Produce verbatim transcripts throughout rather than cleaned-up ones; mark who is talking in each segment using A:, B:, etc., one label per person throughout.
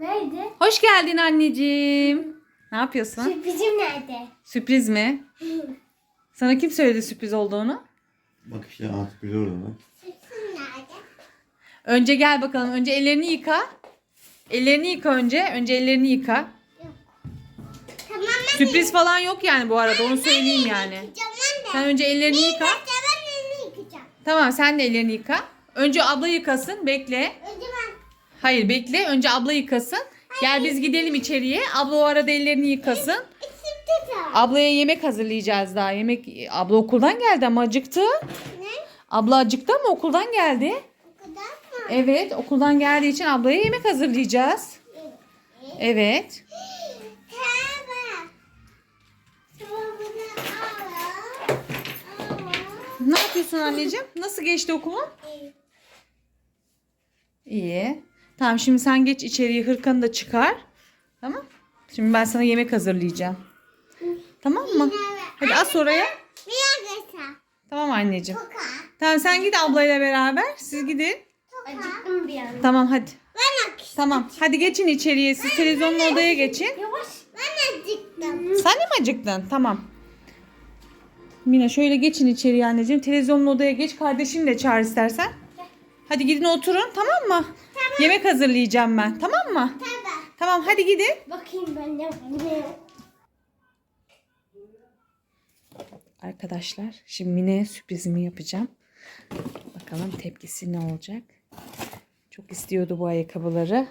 A: Nerede?
B: Hoş geldin anneciğim. Ne yapıyorsun?
A: Sürprizim nerede?
B: Sürpriz mi? Sana kim söyledi sürpriz olduğunu?
C: Bak işte artık biliyorum onu.
A: Sürprizim nerede?
B: Önce gel bakalım. Önce ellerini yıka. Ellerini yıka önce. Önce ellerini yıka.
A: Tamam ben
B: Sürpriz falan yok yani bu arada. Onu söyleyeyim yani.
A: yıkayacağım anne.
B: Sen önce ellerini yıka.
A: Ben elini yıkayacağım.
B: Tamam sen de ellerini yıka. Önce abla yıkasın. Bekle.
A: Önce ben.
B: Hayır bekle. Önce abla yıkasın. Gel biz gidelim içeriye. Abla o arada ellerini yıkasın.
A: Sürpriz var.
B: Ablaya yemek hazırlayacağız daha. Yemek abla okuldan geldi ama acıktı.
A: Ne?
B: Abla acıktı ama okuldan geldi.
A: O kadar mı?
B: Evet, okuldan geldiği için ablaya yemek hazırlayacağız. Evet.
A: Tamam. Sonra bunu al. Al.
B: Ne yapıyorsun anneciğim? Nasıl geçti okulun? İyi. Tamam şimdi sen geç içeriye, hırkanı da çıkar. Tamam. Şimdi ben sana yemek hazırlayacağım. Tamam mı? Hadi as oraya.
A: Bir yakasa.
B: Tamam anneciğim.
A: Toka.
B: Tamam sen git ablayla beraber. Siz gidin.
A: Acıktım bir an.
B: Tamam hadi.
A: Ben akıştım.
B: Tamam. Hadi geçin içeriye. Siz televizyonun odaya geçin.
A: Yavaş. Ben acıktım.
B: Sen de mi acıktın? Tamam. Mina şöyle geçin içeriye anneciğim. Televizyonun odaya geç. Kardeşini de çağır istersen. Hadi gidin oturun tamam mı?
A: Tamam.
B: Yemek hazırlayacağım ben. Tamam mı?
A: Tamam.
B: Tamam hadi gidin.
A: Bakayım ben de ne?
B: Arkadaşlar şimdi Mine'ye sürprizimi yapacağım. Bakalım tepkisi ne olacak. Çok istiyordu bu ayakkabıları.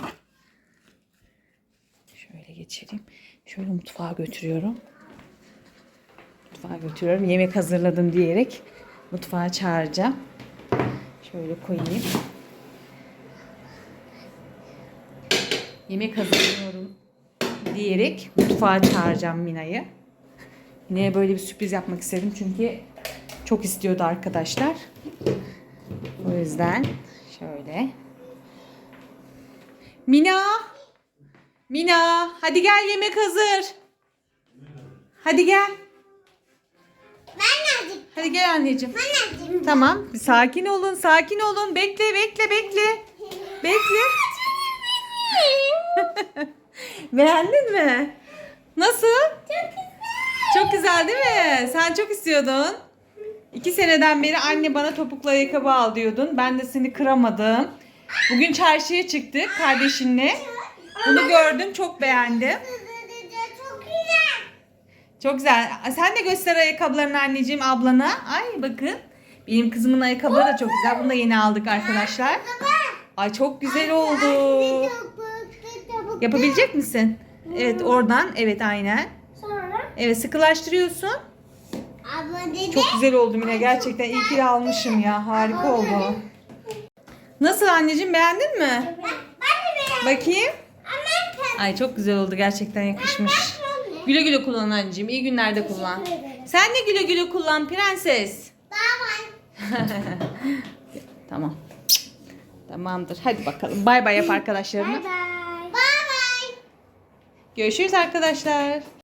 B: Şöyle geçelim. Şöyle mutfağa götürüyorum. Mutfağa götürüyorum. Yemek hazırladım diyerek mutfağa çağıracağım. Şöyle koyayım. Yemek hazırlıyorum diyerek mutfağa çağıracağım Mina'yı. Mina'ya böyle bir sürpriz yapmak istedim çünkü çok istiyordu arkadaşlar. O yüzden şöyle. Mina! Mina! Hadi gel yemek hazır. Hadi gel.
A: Ben acıktım.
B: Hadi gel anneciğim.
A: Ben acıktım.
B: Tamam. Bir sakin olun, sakin olun. Bekle, bekle, bekle. Bekle. Beğendin mi? Nasıl?
A: Çok güzel.
B: Çok güzel değil mi? Sen çok istiyordun. İki seneden beri anne bana topuklu ayakkabı al diyordun. Ben de seni kıramadım. Bugün çarşıya çıktık kardeşinle. Bunu gördüm, çok beğendim.
A: Çok güzel.
B: Çok güzel. Sen de göster ayakkabılarını anneciğim ablana. Ay bakın. Benim kızımın ayakkabıları da çok güzel. Bunu da yeni aldık arkadaşlar. Ay çok güzel oldu. Yapabilecek misin? Evet oradan. Evet aynen.
A: Sonra
B: Evet sıkılaştırıyorsun.
A: abla dedi.
B: Çok güzel oldu Mine. Gerçekten iyi ki de almışım ya. Harika oldu. Nasıl anneciğim beğendin mi?
A: Ben, ben de beğendim.
B: Bakayım.
A: Ama
B: Ay çok güzel oldu. Gerçekten yakışmış. Güle güle kullan anneciğim. İyi günlerde kullan. Sen de güle güle kullan prenses.
A: Bye
B: Tamam. Tamamdır. Hadi bakalım. Bay bay yap arkadaşlarına.
A: bye. Bye bye.
B: Görüşürüz arkadaşlar.